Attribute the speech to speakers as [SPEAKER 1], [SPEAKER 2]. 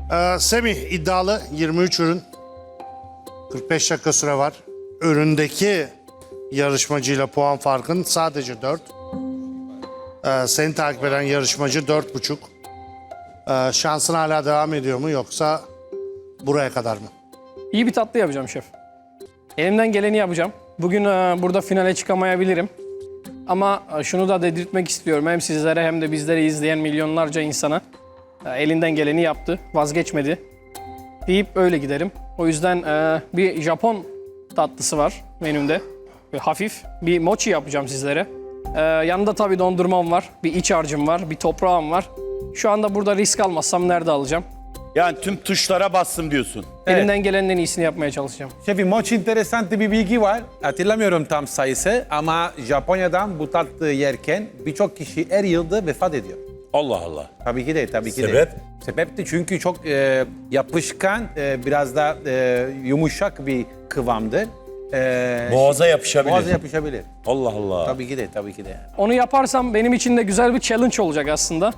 [SPEAKER 1] Semih iddialı 23 ürün. 45 dakika süre var. Üründeki yarışmacıyla puan farkın sadece 4. Seni takip eden yarışmacı 4,5. Şansın hala devam ediyor mu yoksa buraya kadar mı?
[SPEAKER 2] İyi bir tatlı yapacağım şef. Elimden geleni yapacağım. Bugün burada finale çıkamayabilirim. Ama şunu da dedirtmek istiyorum. Hem sizlere hem de bizleri izleyen milyonlarca insana elinden geleni yaptı, vazgeçmedi deyip öyle giderim. O yüzden bir Japon tatlısı var menümde. Hafif bir mochi yapacağım sizlere. Yanında tabii dondurmam var, bir iç harcım var, bir toprağım var. Şu anda burada risk almazsam nerede alacağım?
[SPEAKER 3] Yani tüm tuşlara bastım diyorsun.
[SPEAKER 2] Elimden gelenin en iyisini yapmaya çalışacağım.
[SPEAKER 4] Şefim, mochi enteresan bir bilgi var. Hatırlamıyorum tam sayısı ama Japonya'dan bu tatlı yerken birçok kişi her yılda vefat ediyor.
[SPEAKER 3] Allah Allah.
[SPEAKER 4] Tabii ki de, tabii ki
[SPEAKER 3] Sebep?
[SPEAKER 4] de. Sebep de çünkü çok yapışkan, biraz da yumuşak bir kıvamdır.
[SPEAKER 3] Boğaza yapışabilir.
[SPEAKER 4] Boğaza yapışabilir.
[SPEAKER 3] Allah Allah.
[SPEAKER 4] Tabii ki de, tabii ki de.
[SPEAKER 2] Onu yaparsam benim için de güzel bir challenge olacak aslında.